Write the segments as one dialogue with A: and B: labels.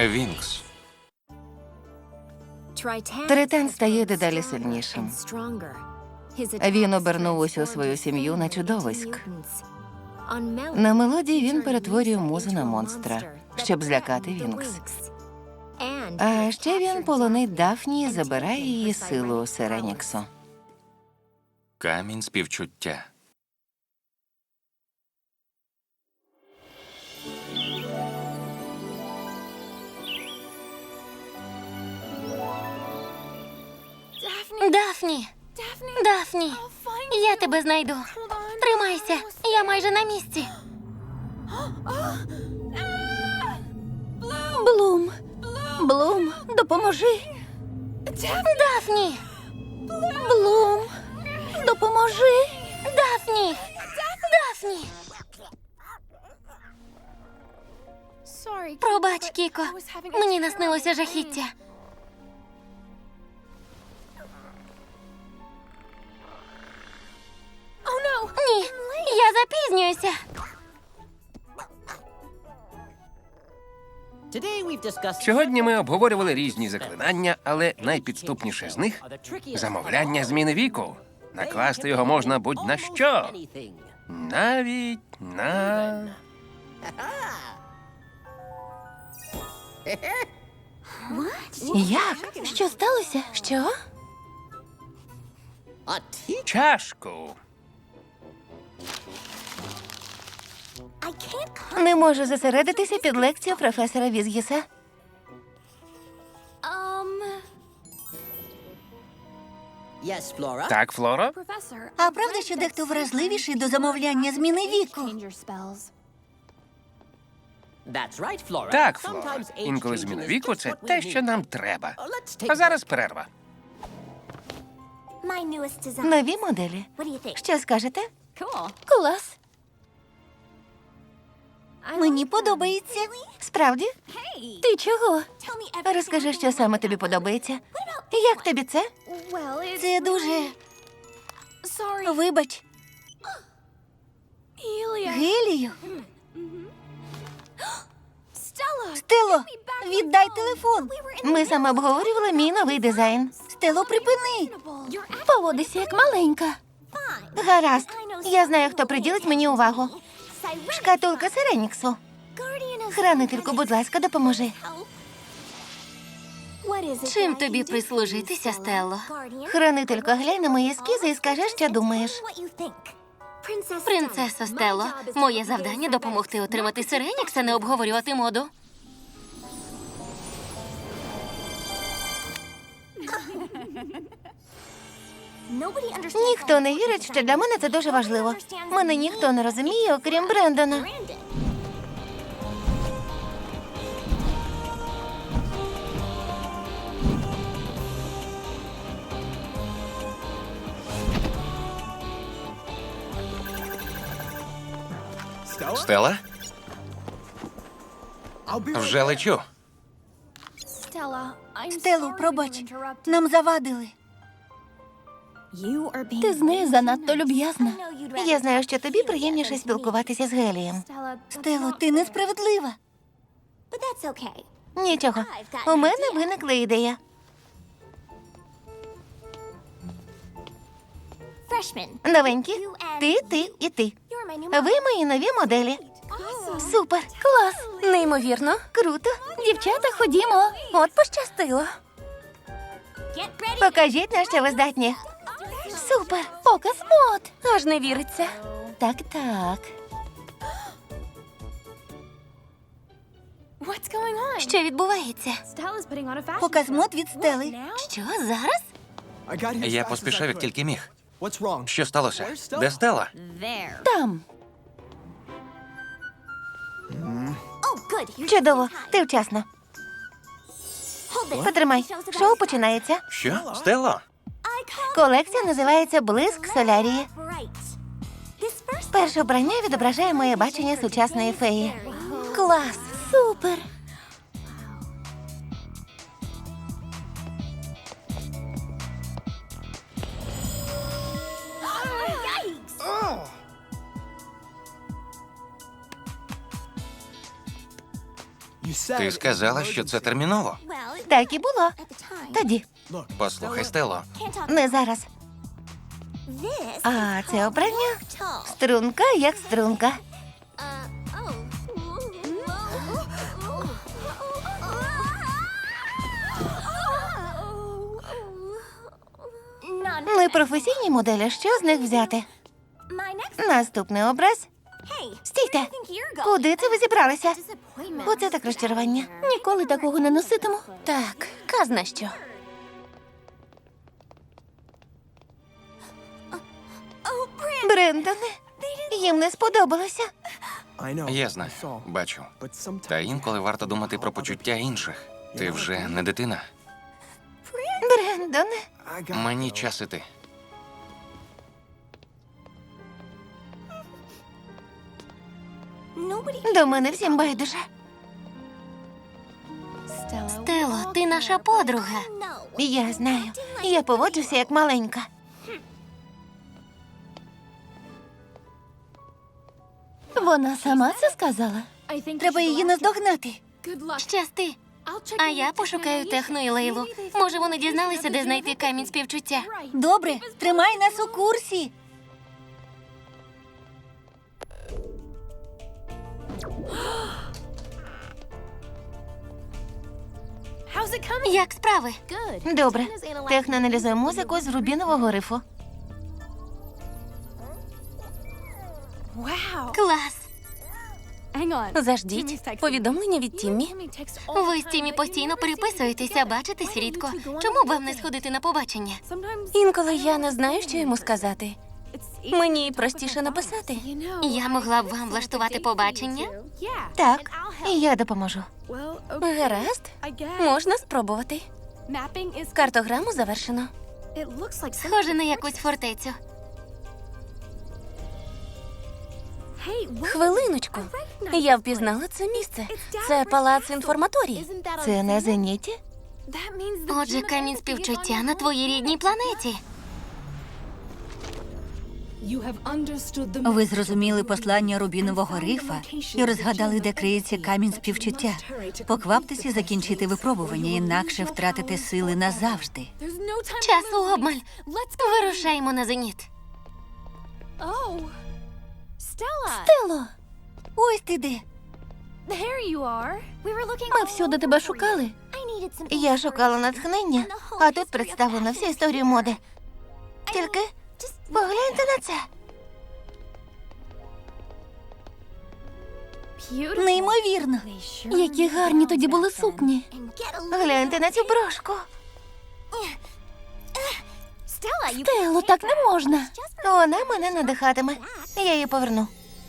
A: Вінкс.
B: Тритан стає дедалі сильнішим. Він обернув усю свою сім'ю на чудовиськ. На мелодії він перетворює музу на монстра, щоб злякати Вінкс. А ще він полонить Дафні і забирає її силу Сиреніксу.
A: Камінь співчуття.
C: Дафні! Дафні! Я тебе знайду. Тримайся, я майже на місці. Блум! Блум, допоможи! Дафні! Блум! Допоможи! Дафні! Дафні! Пробач, Кіко. Мені наснилося жахіття. Ні, я запізнююся.
D: Сьогодні ми обговорювали різні заклинання, але найпідступніше з них – замовляння зміни віку. Накласти його можна будь-на що. Навіть на...
B: Як? Що сталося? Що?
D: чашку.
B: Не можу зосередитися під лекцією професора Візгіса.
D: Так, Флоро?
E: А правда, що дехто вразливіший до замовляння зміни віку?
D: Так, Флоро. Інколи зміна віку – це те, що нам треба. А зараз перерва.
B: Нові моделі. Що скажете?
C: Клас.
E: Мені подобається.
B: Справді?
C: Ти чого?
B: Розкажи, що саме тобі подобається. Як тобі це?
E: Це дуже... Вибач. Гелію? Стело, віддай телефон.
B: Ми саме обговорювали мій новий дизайн.
E: Стело, припини.
C: Поводися як маленька.
B: Гаразд. Я знаю, хто приділить мені увагу. Шкатулка Сиреніксу. Хранительку, будь ласка, допоможи.
C: Чим тобі прислужитися, Стелло?
B: Хранителько, глянь на мої ескізи і скажи, що думаєш.
C: Принцесо Стелло, моє завдання – допомогти отримати Сиренікс, а не обговорювати моду.
B: Ніхто не вірить, що для мене це дуже важливо. Мене ніхто не розуміє, окрім Брендона.
A: Стелла? Вже лечу.
E: Стело, пробач. Нам завадили.
C: Ти з нею занадто люб'язна.
B: Я знаю, що тобі приємніше спілкуватися з Гелієм.
E: Стело, ти несправедлива.
B: Нічого, у мене виникла ідея. Новенькі, ти і ти. Ви мої нові моделі. Супер,
C: Клас, неймовірно.
B: круто.
C: Дівчата, ходімо. От пощастило.
B: Покажіть, на що ви здатні. Супер.
C: Показ мод. Аж не віриться.
B: Так, так.
C: Що відбувається?
E: Показ мод від Стели.
C: Що, зараз?
A: Я поспішав, як тільки міг. Що сталося? Де Стелла?
C: Там.
B: Чудово, ти вчасно. Потримай, шоу починається.
A: Що? Стелла?
B: Колекція називається «Блиск Солярії». Перше обрання відображає моє бачення сучасної феї.
C: Клас, супер.
A: Ти сказала, що це терміново.
B: Так і було. Тоді.
A: Послухай, Стело,
B: Не зараз. А це обрання струнка як струнка. Непрофесійні моделі, що з них взяти? Наступний образ. Стійте! Куди це ви зібралися? Оце так розчарування. Ніколи такого не носитиму. Так, казна що. Брендоне, їм не сподобалося.
A: я знаю, бачу. Та інколи варто думати про почуття інших. Ти вже не дитина.
B: Брендоне.
A: Мені час іти.
B: До мене всім байдуже.
C: Стело, ти наша подруга.
B: Я знаю. Я поводжуся як маленька. Вона сама це сказала.
E: Треба її наздогнати.
C: Щасти. А я пошукаю Техно і Лейлу. Може, вони дізналися, де знайти камінь співчуття.
E: Добре, тримай нас у курсі.
C: Як справи?
B: Добре. Техно аналізує музику з рубінового рифу.
C: Клас.
B: Заждіть. Повідомлення від Тіммі.
C: Ви з Тімі постійно переписуєтеся, бачитесь рідко. Чому б вам не сходити на побачення?
B: Інколи я не знаю, що йому сказати. Мені простіше написати.
C: Я могла б вам влаштувати побачення.
B: Так, і я допоможу. Гаразд. Можна спробувати. Картограму завершено.
C: Схоже на якусь фортецю.
B: Хвилиночку. Я впізнала це місце. Це палац інформаторії. Це на зеніті?
C: Отже, камінь співчуття на твоїй рідній планеті.
E: Ви зрозуміли послання рубінового рифа і розгадали, де криється камінь співчуття. Покваптеся закінчити випробування, інакше втратите сили назавжди.
C: Часу обмаль. Вирушаємо на зеніт.
B: Стело,
E: Ось ти де.
B: ми всюди тебе шукали. Я шукала натхнення, а тут представлена вся історія моди. Тільки погляньте на це.
E: Неймовірно.
B: Які гарні тоді були сукні. Гляньте на цю брошку. Стело, так не можна. Вона мене надихатиме. Я її поверну.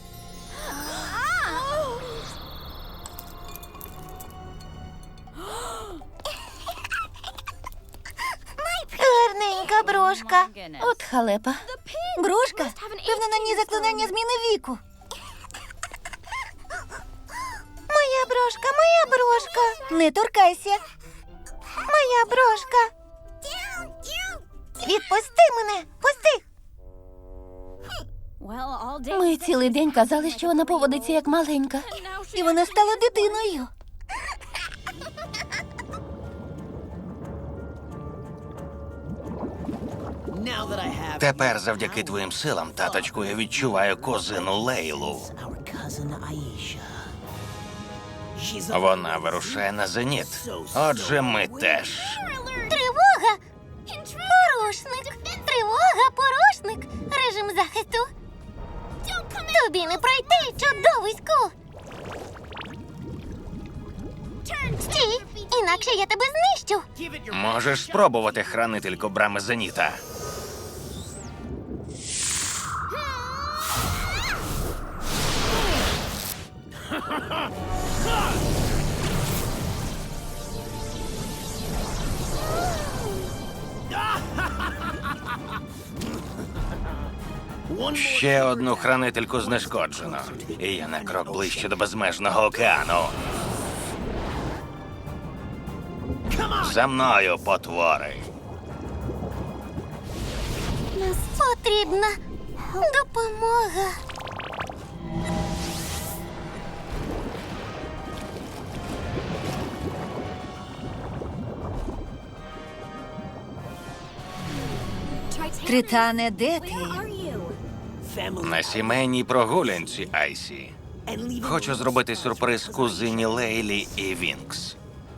B: Гарненька брошка. От халепа.
E: Брошка? Певно, на ній заклинання зміни віку.
B: Моя брошка, моя брошка.
E: Не торкайся.
B: Моя брошка. Відпусти мене, пусти. Ми цілий день казали, що вона поводиться як маленька.
E: І вона стала дитиною.
A: Тепер завдяки твоїм силам, таточку, я відчуваю кузину Лейлу. Вона вирушає на зеніт. Отже, ми теж.
C: Тривога! Порушник! Тривога, порушник! Режим захисту! Тобі не пройти, чудовиську! Стій! Інакше я тебе знищу!
A: Можеш спробувати, хранителько брами зеніта. Ще одну хранительку знешкоджено. І я на крок ближче до безмежного океану. За мною, потвори.
C: Потрібна допомога.
E: Тритане, де ти?
A: На сімейній прогулянці, Айсі. Хочу зробити сюрприз кузині Лейлі і Вінкс.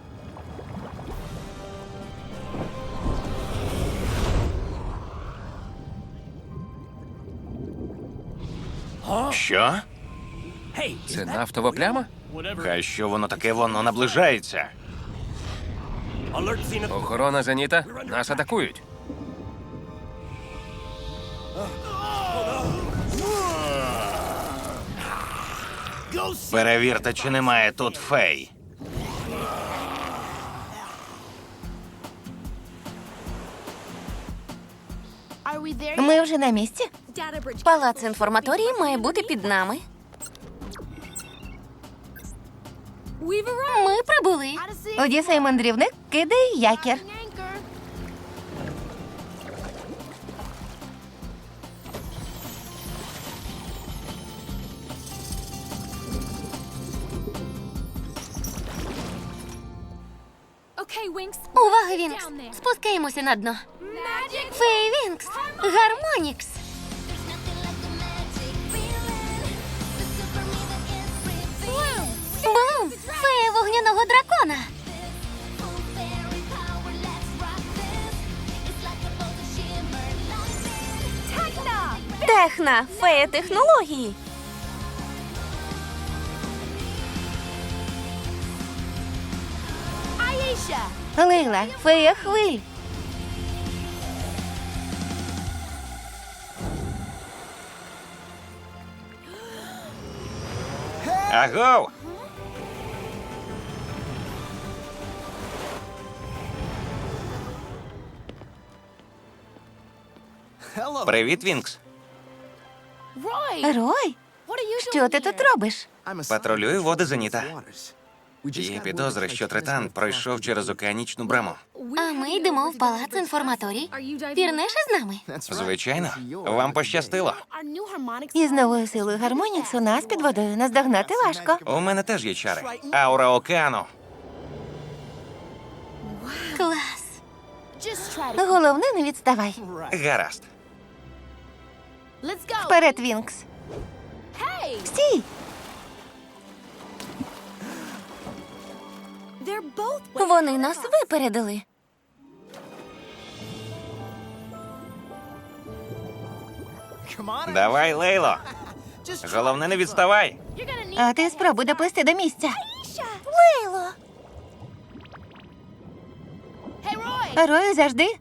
A: Що?
D: Це нафтова пляма?
A: Хай що воно таке, воно наближається.
D: Охорона Зеніта, нас атакують.
A: Перевірте, чи немає тут фей.
B: Ми вже на місці.
C: Палац інформаторії має бути під нами. Ми прибули.
B: Одіса і мандрівник, кидай якір.
C: Увага, Вінкс! Спускаємося на дно. Фей Вінкс! Гармонікс! Блум! Фея вогняного дракона! Техна! Фея технології!
B: Лейла, фея хвиль.
A: Агов! Привіт, Вінкс.
B: Рой, що ти тут робиш?
A: Патрулюю води Зеніта. Є підозри, що Тритан пройшов через океанічну браму.
C: А ми йдемо в палац інформаторій. Пірнеш із нами?
A: Звичайно, вам пощастило.
B: Із новою силою Гармоніксу нас під водою наздогнати важко.
A: У мене теж є чари. Аура океану.
C: Клас!
B: Головне, не відставай.
A: Гаразд.
B: Вперед, Вінкс. Стій!
C: Вони нас випередили.
A: Давай, Лейло. Головне, не відставай.
B: А ти спробуй доплисти до місця.
C: Лейло!
B: Рою, завжди.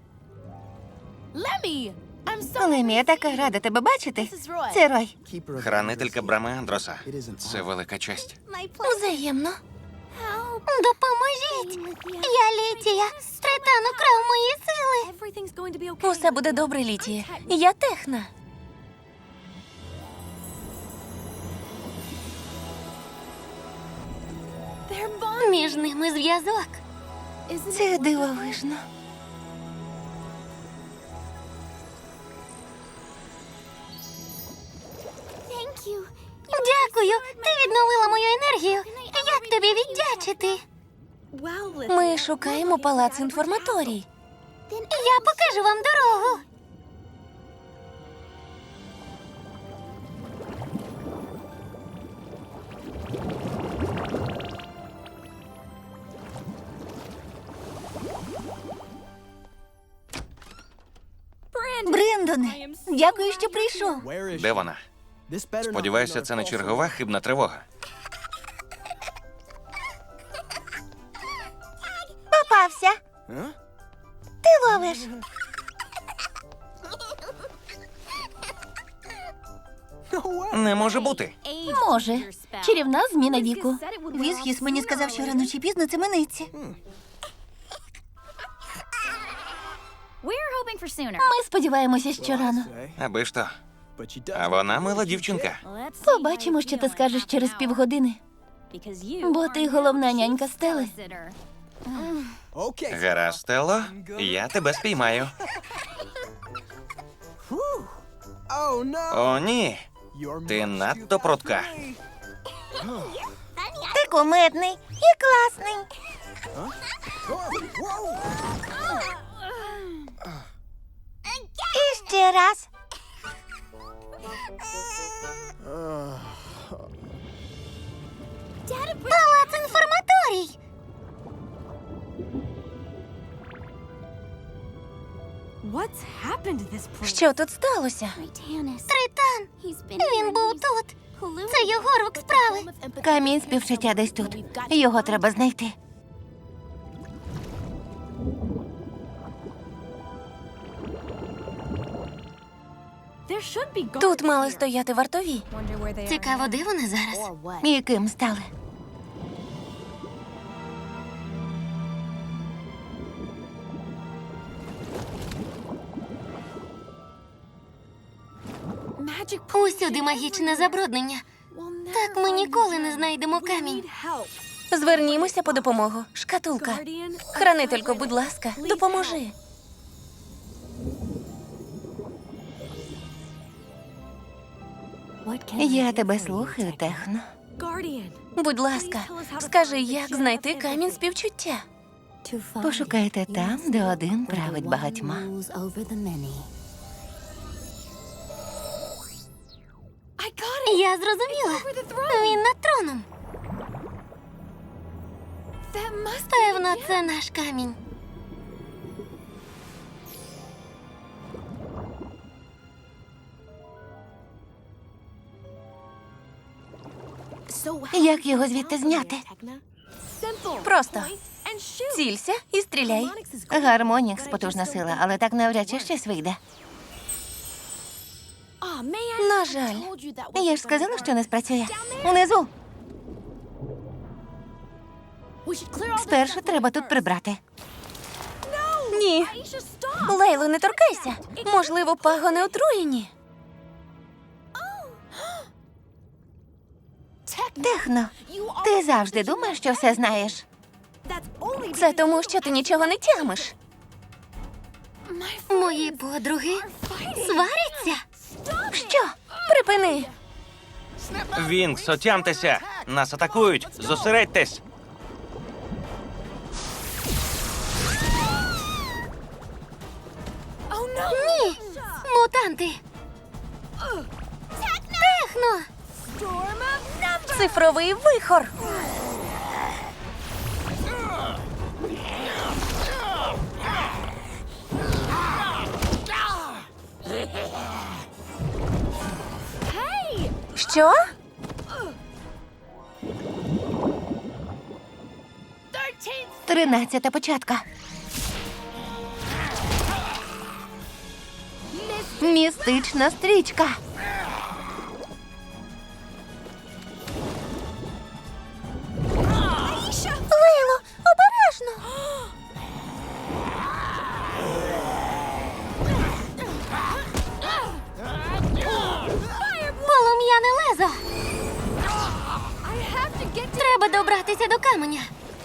B: Лемі, я така рада тебе бачити. Це Рой.
A: Хранителька брами Андроса. Це велика честь.
C: Взаємно. Допоможіть! Я Літія. Тритан украв мої сили. Усе буде добре, Літія. Я Техна. Між ними зв'язок.
B: Це дивовижно.
C: Дякую. Ти відновила мою енергію. Як тобі віддячити? Ми шукаємо палац інформаторій. Я покажу вам дорогу.
E: Брендоне, дякую, що прийшов.
A: Де вона? Сподіваюся, це не чергова хибна тривога.
B: Попався. Ти ловиш.
A: Не може бути.
C: Може. Чарівна зміна віку.
E: Візгіс мені сказав, що рано чи пізно це минеться.
C: Ми сподіваємося, що рано.
A: Аби ж то. А вона мила дівчинка.
C: Побачимо, що ти скажеш через півгодини. Бо ти головна нянька Стели.
A: Гаразд, Стелло, я тебе спіймаю. О, ні. Ти надто прудка.
B: Ти кумедний і класний. І ще.
C: Ще раз. Палац інформаторій. Що тут сталося? Тритан. Він був тут. Це його рук справи.
B: Камінь співчуття десь тут. Його треба знайти.
C: Тут мали стояти вартові. Цікаво, де вони зараз?
B: І ким стали?
C: Усюди магічне забруднення. Так ми ніколи не знайдемо камінь.
F: Звернімося по допомогу. Шкатулка. Хранителько, будь ласка, допоможи.
B: Я тебе слухаю, Техно.
F: Будь ласка, скажи, як знайти камінь співчуття?
B: Пошукайте там, де один править багатьма.
C: Я зрозуміла. Він над троном. Певно, це наш камінь.
B: Як його звідти зняти?
F: Просто цілься і стріляй.
B: Гармонікс потужна сила, але так навряд чи щось вийде.
F: На жаль.
B: Я ж сказала, що не спрацює. Унизу. Спершу треба тут прибрати.
F: Ні. Лейло, не торкайся. Можливо, пагони отруєні.
B: Техно, ти завжди думаєш, що все знаєш.
F: Це тому, що ти нічого не тямиш.
C: Мої подруги сваряться.
F: Що? Припини.
A: Вінкс, отямтеся! Нас атакують! Зосередьтесь!
C: Ні, мутанти. Техно.
F: Цифровий вихор. Що?
B: Тринадцята початка. Містична стрічка.
C: Лейло, обережно. Полум'яне лезо. Треба добратися до каменя.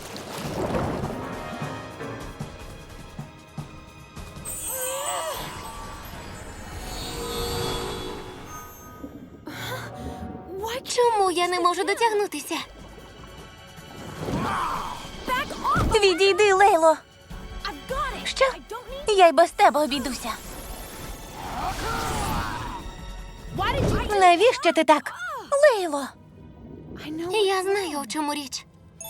C: Чому я не можу дотягнутися?
F: Відійди, Лейло. Що? Я й без тебе обійдуся.
B: Навіщо ти так?
F: Лейло.
C: Я знаю, у чому річ.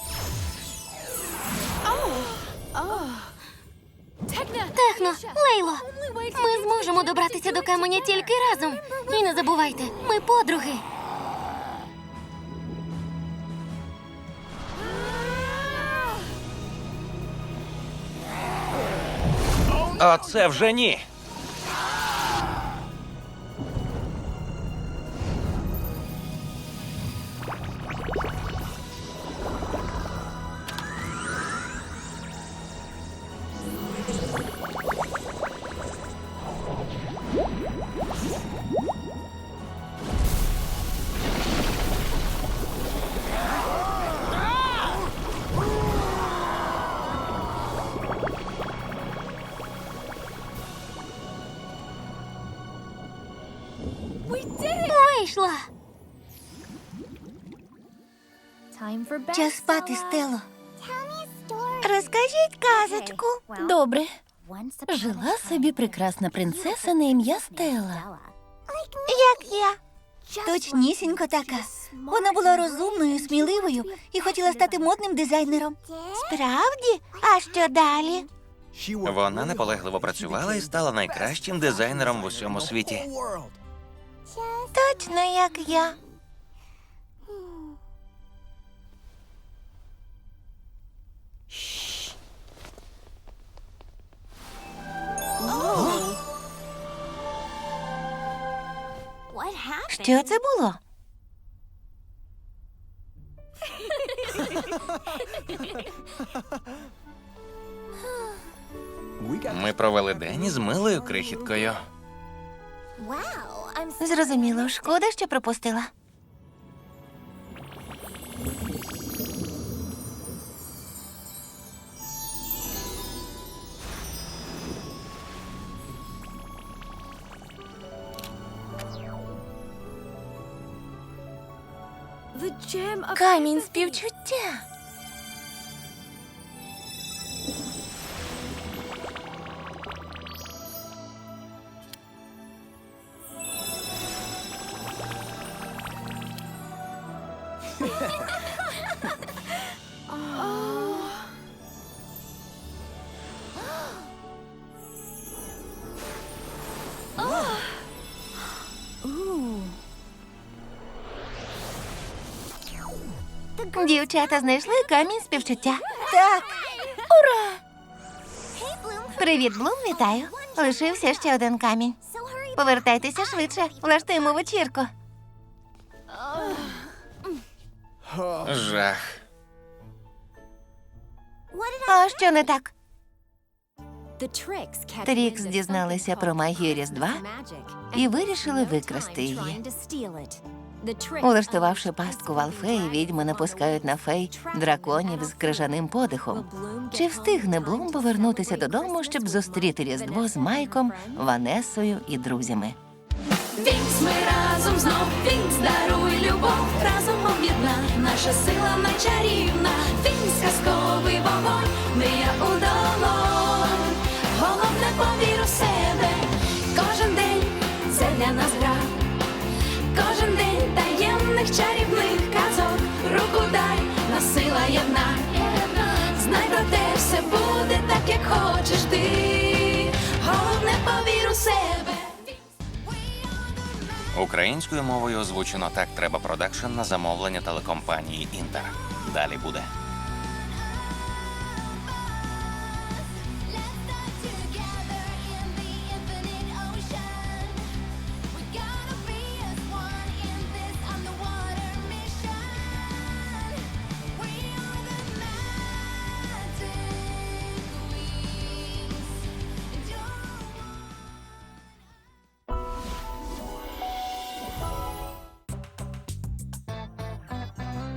C: Техно, Лейло, ми зможемо добратися до каменя тільки разом. І не забувайте, ми подруги.
A: Оце вже ні!
C: Вийшла.
B: Час спати, Стело. Розкажіть казочку.
F: Добре.
B: Жила собі прекрасна принцеса на ім'я Стелла.
C: Як я.
E: Точнісінько така. Вона була розумною, сміливою і хотіла стати модним дизайнером.
C: Справді? А що далі?
A: Вона наполегливо працювала і стала найкращим дизайнером в усьому світі.
C: Точно як я.
B: Що це було?
A: Ми провели день із милою крихіткою.
B: Зрозуміло, шкода, що пропустила.
F: Камінь співчуття.
B: Дівчата знайшли камінь співчуття.
E: Так,
B: Привіт, Блум, вітаю. Лишився ще один камінь. Повертайтеся швидше, влаштуємо вечірку.
A: Жах.
B: А що не так?
C: Трікс дізналися про магію Різдва і вирішили викрасти її.
B: Улаштувавши пастку в Алфеї, відьми напускають на фей драконів з крижаним подихом. Чи встигне Блум повернутися додому, щоб зустріти Різдво з Майком, Ванесою і друзями?
F: Вінкс, ми разом знов. Вінкс, даруй любов. Разом об'єдна. Наша сила найчарівна. Вінкс, казковий вогонь. Мрія у долонь. Головне, повір у себе. Кожен день це для нас гра. Кожен день таємних чарівних казок. Руку дай, нас сила єдна. Знай про те, все буде так, як хочеш ти. Головне, повір у себе.
A: Українською мовою озвучено «Так треба продакшн» на замовлення телекомпанії «Інтер». Далі буде.